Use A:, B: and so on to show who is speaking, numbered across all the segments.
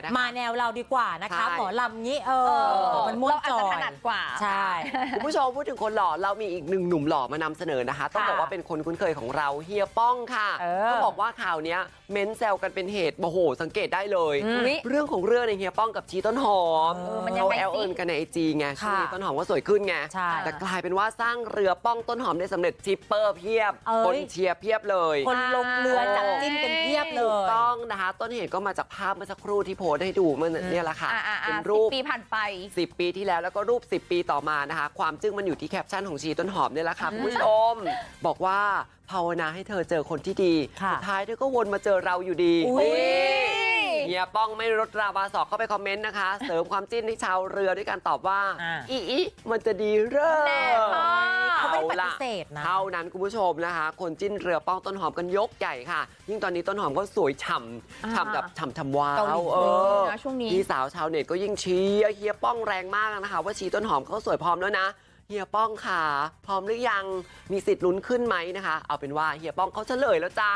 A: นะคะ
B: มาแนวเราดีกว่านะคะหมอลำงี้มันม่วนจอย
A: เราอาจจะถนัดกว่า
B: ใช่
C: คุณผู้ชมพูดถึงคนหล่อเรามีอีกหนึ่งหนุ่มหล่อมานำเสนอนะคะต้องบอกว่าเป็นคนคุ้นเคยของเราเฮียป้องค่ะต้องบอกว่าข่าวนี้เม้นแซวกันเป็นเหตุโอ้โหสังเกตได้เลยเรื่องของเรื่องในเฮียป้องกับชีต้นหอมเขาแอลเอิญกันในIGไงช่วงนี้ต้นหอมก็สวยขึ้นไงแต่กลายเป็นว่าสร้างเรือป้องต้นหอมได้สำเร็จชิปเปอร์เพียบคนเชียร์เพียบเลย
B: คนลงเรือจับจิ้นกันเพียบเลย
C: ถูกต้องนะคะต้นเหตุก็มาจากภาพเมื่อสักครู่ที่โพสให้ดูเมื่อเนี่ยแหละค่ะเป็นรูป
A: 10 ปีผ่านไป
C: 10 ปีที่แล้วแล้วก็รูป10 ปีต่อมานะคะความจึ้งมันอยู่ที่แคปชั่นของชีต้นหอมเนี่ยแหละค่ะคุณผู้ชมบอกว่าภาวนาให้เธอเจอคนที่ดีสุดท้ายเธอก็วนมาเจอเราอยู่ดีเฮียป้องไม่ลดราบาสอกเข้าไปคอมเมนต์นะคะเสริมความจิ้นให้ชาวเรือด้วยการตอบว่าอีมันจะดีเร่
B: เขาไม่ปฏิเสธนะ
C: เท่านั้นคุณผู้ชมนะคะคนจิ้นเรือป้องต้นหอมกันยกใหญ่ค่ะยิ่งตอนนี้ต้นหอมก็สวยฉ่ำแบบฉ่ำว้าว
A: ช่วงนี้
C: พี่สาวชาวเน็ตก็ยิ่งเชียร์เฮียป้องแรงมากนะคะว่าชีต้นหอมเขาสวยพร้อมแล้วนะเฮียป้องค่ะพร้อมหรือยังมีสิทธิ์ลุ้นขึ้นไหมนะคะเอาเป็นว่าเฮียป้องเขาเฉลยแล้วจ้า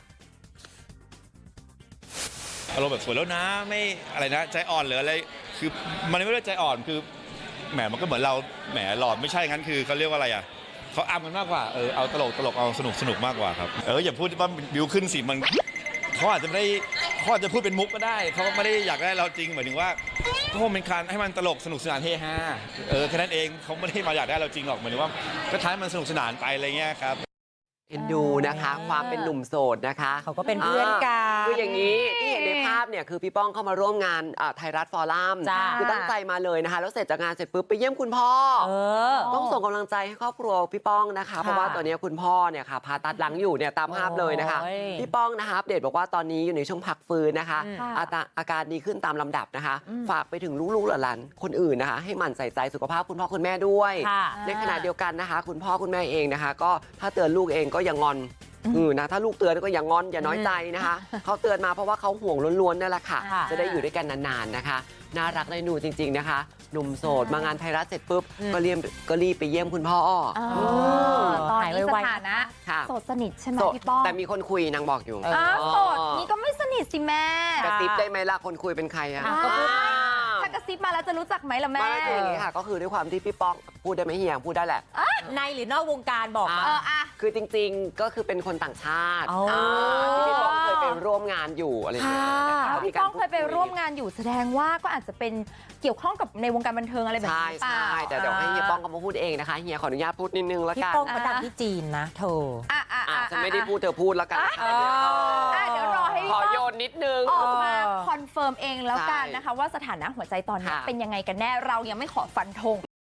D: อารมณ์แบบสวยแล้วนะไม่อะไรนะใจอ่อนหรืออะไรคือมันไม่ได้ใจอ่อนคือแหมมันก็เหมือนเราแหมหลอดไม่ใช่งั้นคือเขาเรียกว่าอะไรอ่ะเขาอ้ำกันมากกว่าเอาตลกเอาสนุกมากกว่าครับอย่าพูดว่าบิวขึ้นสิมันเขาอาจจะไม่ได้เขาอาจจะพูดเป็นมุกก็ได้เขาไม่ได้อยากได้เราจริงหมายถึงว่าก็คงเป็นการให้มันตลกสนุกสนานเฮฮาแค่นั้นเองเขาไม่ได้มาอยากได้เราจริงหรอกหมายถึงว่าก็ท้ายมันสนุกสนานไปอะไรเงี้ยครับ
C: เอ็นดูนะคะความเป็นหนุ่มโสดนะคะ
B: เขาก็เป็นเพื่อนกัน
C: คืออย่างนี้ที่เห็นในภาพเนี่ยคือพี่ป้องเข้ามาร่วมงานไทยรัฐฟอรัมคือตั้งใจมาเลยนะคะแล้วเสร็จจากงานเสร็จปุ๊บไปเยี่ยมคุณพ่อต้องส่งกำลังใจให้ครอบครัวพี่ป้องนะคะเพราะว่าตอนนี้คุณพ่อเนี่ยค่ะผ่าตัดหลังอยู่เนี่ยตามภาพเลยนะคะพี่ป้องนะคะอัปเดตบอกว่าตอนนี้อยู่ในช่วงพักฟื้นนะคะอาการดีขึ้นตามลำดับนะคะฝากไปถึงลูกๆหลานคนอื่นนะคะให้หมั่นใส่ใจสุขภาพคุณพ่อคุณแม่ด้วยในขณะเดียวกันนะคะคุณพ่อคุณแม่เองนะคะก็ถ้าเตือนลูกเองก็อย่างอนนะถ้าลูกเตือนก็อย่างงอนอย่าน้อยใจนะคะเขาเตือนมาเพราะว่าเขาห่วงล้วนๆนั่นแหละค่ะจะได้อยู่ด้วยกันนานๆนะคะน่ารักได้หนูจริงๆนะคะหนุ่มโสดมางานไทยรัฐเสร็จปุ๊บก็รีบไปเยี่ยมคุณพ่อ
A: ตอนนี้สถานะโสดสนิทใช่ไหมพี่ป้อง
C: แต่มีคนคุยนางบอกอยู่
A: โสดนี่ก็ไม่สนิทสิแม่
C: กระซิบได้ไหมล่ะคนคุยเป็นใครอะ
A: ถ้ากระซิบมาแล้วจะรู้จักไหมล่ะแม่
C: ไม่คืออย่างนี้ค่ะก็คือด้วยความที่พี่ป้องพูดได้ไหมเฮียพูดได้แหละ
B: ในหรือนอกวงการบอก
C: คือจริงๆก็คือเป็นคนต่างชาติที่พี่ป้องเคยไปร่วมงานอยู่อะไรอย่างเงี้ย
A: พี่ป้องเคยไปร่วมงานอยู่แสดงว่าก็อาจจะเป็นเกี่ยวข้องกับในวงการบันเทิงอะไรแบบนี้
C: ใช่แต่เดี๋ยวให้เฮียป้องเขามาพูดเองนะคะเฮียขออนุญาตพูดนิดนึงแล้วกัน
B: พี่ป้องเขาดังที่จีนนะเธอ
C: ฉันไม่ได้พูดเธอพูดแล้วกัน
A: เดี๋ยวรอให้
C: ขอโยนนิดนึง
A: ออกมาคอนเฟิร์มเองแล้วกันนะคะว่าสถานะหัวใจตอนนี้เป็นยังไงกันแน่เรายังไม่ขอฟันธง